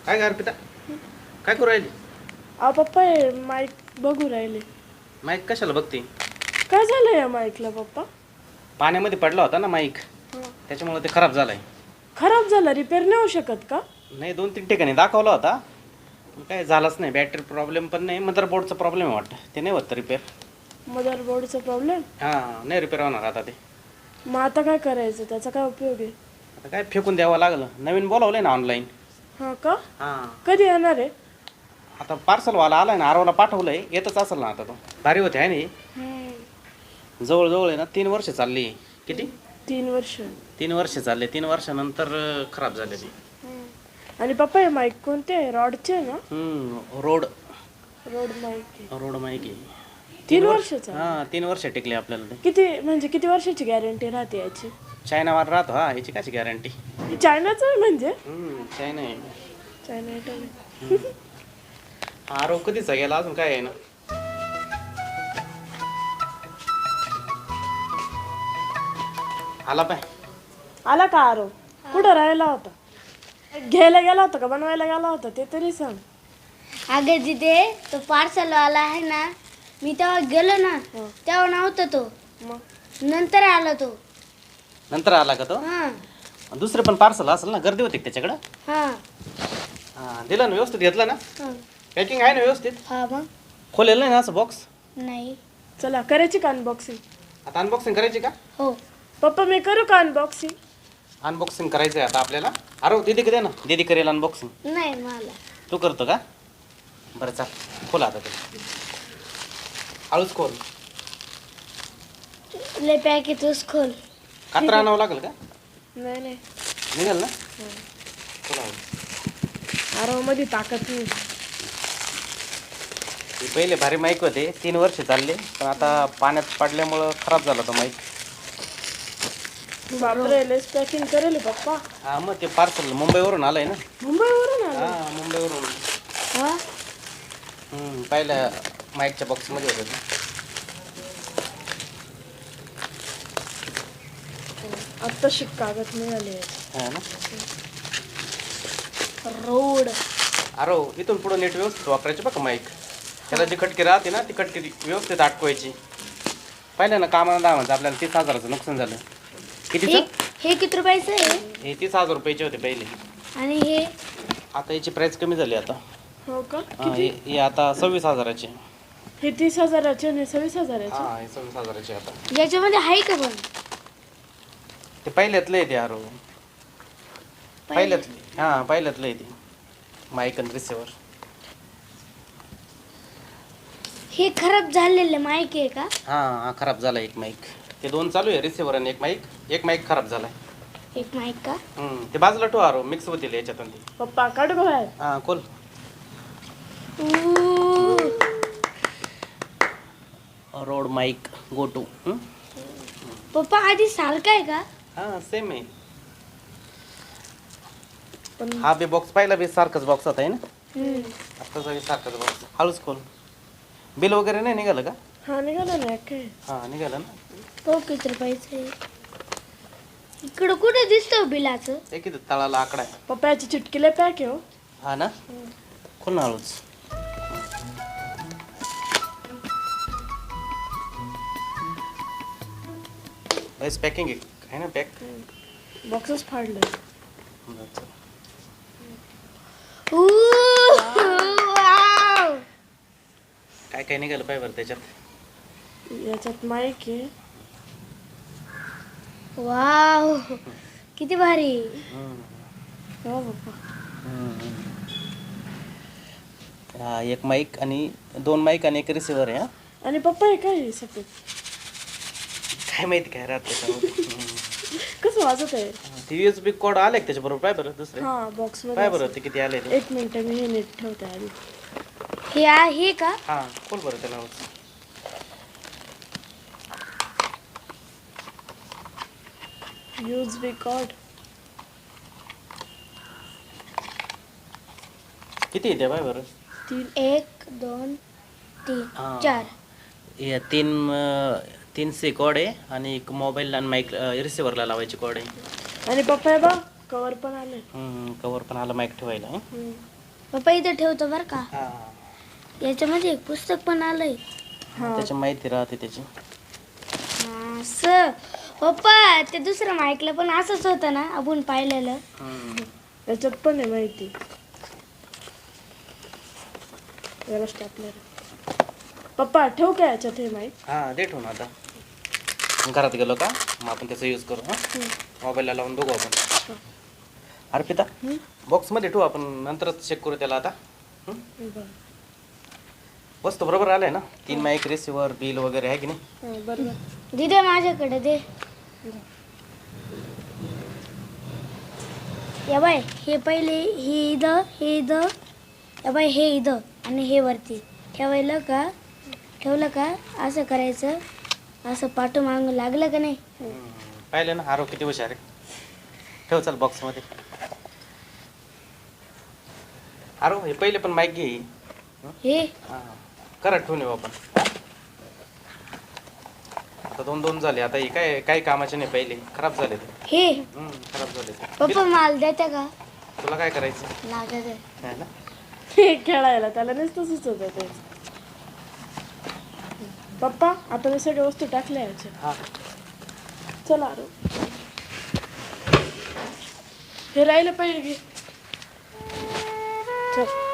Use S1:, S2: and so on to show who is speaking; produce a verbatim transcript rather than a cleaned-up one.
S1: काय गार पिता काय करू राहिली?
S2: अहो पप्पा हे माईक बघू राहिले.
S1: माईक कशाला बघते?
S2: काय झालं या माईकला पप्पा?
S1: पाण्यामध्ये पडला होता ना माईक, त्याच्यामुळे ते खराब झालाय.
S2: खराब झाला, रिपेअर नाही होऊ शकत का?
S1: नाही, दोन तीन ठिकाणी दाखवला होता पण काय झालंच नाही. बॅटरी प्रॉब्लेम पण नाही, मदरबोर्डचा प्रॉब्लेम आहे वाटतं. ते नाही होत रिपेअर.
S2: मदरबोर्डचा प्रॉब्लेम?
S1: हां, नाही रिपेअर होणार आता ते.
S2: मग आता काय करायचं, त्याचा काय उपयोग आहे?
S1: आता काय फेकून द्यावं लागलं. नवीन बोलावलंय ना ऑनलाईन.
S2: हां का?
S1: हां,
S2: कधी येणार आहे?
S1: आता पार्सलवाला आलाय ना, आरवला पाठवलंय, येतच असेल ना आता. तो भारी होते आहे ना, जवळजवळ आहे ना तीन वर्ष चालली. किती?
S2: तीन वर्ष.
S1: तीन वर्ष चालले. तीन वर्षानंतर अं, खराब झाले ती.
S2: आणि पप्पा हे माईक कोणते आहे? रॉडचे आहे ना?
S1: हम्म, रोड
S2: रोड माईक आहे.
S1: रोड माईक आहे.
S2: तीन वर्षाचा?
S1: हां, तीन वर्ष टिकले आपल्याला ते.
S2: किती म्हणजे किती वर्षाची गॅरंटी राहते याची?
S1: चायनावर राहतो हा, याची काची गॅरंटी?
S2: चायनाचं आहे म्हणजे?
S1: चायना आहे.
S2: चायना आहे.
S1: आरोप कधीचा गेला, अजून काय आहे ना. आला पाय.
S2: आला का आरो? कुठं राहिला होता? घ्यायला गेला होता का बनवायला गेला होता ते तरी सांग.
S3: अगं तिथे तो पार्सल वाला आहे ना, मी तेव्हा गेलो ना तेव्हा नव्हता तो,
S2: मग
S3: नंतर आला तो.
S1: नंतर आला का तो?
S3: हा
S1: दुसरे पण पार्सल असेल ना, गर्दी होती का त्याच्याकडं?
S3: हा
S1: हां, दिलं ना व्यवस्थित, घेतलं ना?
S3: हा
S1: पॅकिंग आहे ना व्यवस्थित?
S3: हा मग
S1: खोलेलं नाही ना असं बॉक्स?
S3: नाही.
S2: चला करायची का अनबॉक्सिंग?
S1: आता अनबॉक्सिंग करायची का?
S3: हो
S2: पप्पा मी करू का अनबॉक्सिंग?
S1: अनबॉक्सिंग करायचं आहे आता आपल्याला. अरे दीदी दे ना, दीदी करेल अनबॉक्सिंग.
S3: नाही मला.
S1: तू करतो का? बरं चाल, खोला आता ते. हळूच खोल.
S3: ले पॅकेटच खोल.
S1: कात्रा आणावं लागेल का?
S2: नाही नाही
S1: निघाल ना? खोला हळू.
S2: आरो मध्ये ताकद नाही.
S1: हे पहिले भारी माईक होते, तीन वर्ष चालले, पण आता पाण्यात पडल्यामुळं खराब झाला तो माईक.
S2: बापरे, लेस पॅकिंग करेल हे पप्पा.
S1: हा, मग ते पार्सल मुंबईवरून आलंय ना.
S2: मुंबईवरून आलं?
S1: हा, मुंबईवरून.
S3: हा
S1: हम्म, पहिल्या माईकच्या बॉक्समध्ये होतं ना.
S2: आत्ता शिक कागद मिळाले.
S1: हा ना.
S3: रोड.
S1: अरे इथून पुढे नेट व्यवस्थित वापरायचे बघा माईक. त्याला जी खटकी राहते ना, ती खटकी व्यवस्थित अटकवायची. पाहिलं ना, कामाला दहा म्हणजे आपल्याला तीस हजाराचं नुकसान झालं.
S3: हे
S1: कितीचं?
S3: हे किती रुपयाचं आहे?
S1: हे तीस हजार रुपयाचे होते पहिले.
S3: आणि हे
S1: आता याची प्राइस कमी झाली आता.
S2: हो का?
S1: हा, हे हे आता सव्वीस हजाराचे.
S2: हे तीस हजाराचे आणि सव्वीस हजाराचे.
S1: हा, हे सव्वीस हजाराचे आता.
S3: याच्यामध्ये आहे का पण?
S1: ते पहिल्यातलं आहे ते अरो. पहिल्यातले हा, पहिल्यातलं आहे ते माईक आणि रिसिव्हर.
S3: हे खराब झालेलं माईक आहे का?
S1: हा, हा खराब झाला एक माईक. ते दोन चालू आहे, रिसिव्हर आणि एक माईक. एक माईक खराब झालाय.
S3: एक माईक का?
S1: हम्म, ते बाजूला ठेवा अरो, मिक्स होतील याच्यातून ते.
S2: पप्पा काढ बाहेर.
S1: हा, खोल. Rode mic Go two.
S3: पप्पा आधी सारखा आहे का?
S1: हा, सेम आहे.
S2: पण
S1: हा बी बॉक्स पाहिला बी सारखाच बॉक्स होता आहे ना.
S3: हम्म.
S1: आत्ताचा बी सारखाच बॉक्स. हळूच खोल. बिल वगैरे नाही निघालं का?
S2: हा निघाला ना काय?
S1: हा, निघालं ना.
S3: तो किती रुपयाचं आहे? इकडं कुठे दिसतं बिलाचं?
S1: ते किती तळाला आकडा आहे.
S2: पप्पा याची चिटकीला पॅक आहे हो.
S1: हा ना. खोल ना हळूच. बस पॅकिंग आहे ना, पॅक.
S2: बॉक्सच फाडलं.
S3: ऊ, वाव.
S1: काय काय निघालं पाय बरं त्याच्यात.
S2: याच्यात माईक आहे.
S3: वाव किती भारी.
S2: हो पप्पा.
S1: हा, एक माईक आणि दोन माईक आणि एक रिसिव्हर आहे. हा,
S2: आणि पप्पा हे काय आहे सफेद?
S1: काय माहिती काय राहत त्याच्यामध्ये.
S2: कसं वाजत आहे?
S1: T V S B cord आले त्याच्या बरोबर पाय बरं दुसरे.
S2: हा बॉक्स
S1: पाय
S2: मध्ये
S1: बरं ते किती आले ते.
S2: एक मिनिट मी हे नीट ठेवते आधी.
S3: हे आहे का?
S1: हा, खोल बरं त्याला.
S2: U S B cord.
S1: किती येते पाय बरं.
S2: तीन.
S3: एक दोन तीन
S1: हा.
S3: चार.
S1: हे तीन अं, तीन सी कोड आहे आणि एक मोबाईल आणि माईक रिसिव्हरला लावायची कोड आहे.
S2: आणि पप्पा हे बा कवर पण आले.
S1: कवर पण आला माईक ठेवायला. हं.
S2: हम्म.
S3: पप्पा इथे ठेवतो बरं का.
S1: हा
S3: याच्यामध्ये एक पुस्तक पण आलंय.
S2: हा
S1: त्याची माहिती राहते त्याची.
S3: असं पप्पा ते दुसरं माईकला पण असंच होतं ना आपण पाहिलेलं.
S1: हम्म.
S2: याच्यात पण आहे माहिती. याला स्टॅपलर. पप्पा ठेवू का याच्यात हे माईक?
S1: हा दे ठेवून आता. घरात गेलो का मग आपण त्याचा यूज करू. हां मोबाईलला लावून बघू आपण. अर्पिता बॉक्समध्ये ठेवू आपण नंतरच चेक करू त्याला आता. हं?
S2: बरं.
S1: वस्तू बरोबर आलंय ना. तीन माईक रिसिव्हर बिल वगैरे आहे की नाही.
S2: हा, बरोबर.
S3: दे दे माझ्याकडे दे. या बाय हे पहिले हे इथं हे इथं या बाय हे इथं आणि हे वरती ठेवायला का ठेवलं का असं करायचं. असं पाठू मागून लागलं का नाही.
S1: हम्म. पाहिलं ना आरो किती हुशार आहे. ठेव चल बॉक्समध्ये. आरो हे पहिले पण माईक घे.
S3: हे
S1: हां करत ठेवून येऊ आपण. आता दोन दोन झाले. आता हे काय काही कामाचे नाही. पहिले खराब झाले ते.
S3: हे
S1: हम्म, खराब झाले ते.
S3: पप्पा माल देते का.
S1: तुला काय करायचं
S3: लागत आहे.
S1: है ना.
S2: हे खेळायला त्याला नुसतं सुचत ते. पप्पा आता मी सगळ्या वस्तू टाकल्या याच्यात.
S1: हां
S2: चला आरो. हे राहिलं पाहिजे घे. चल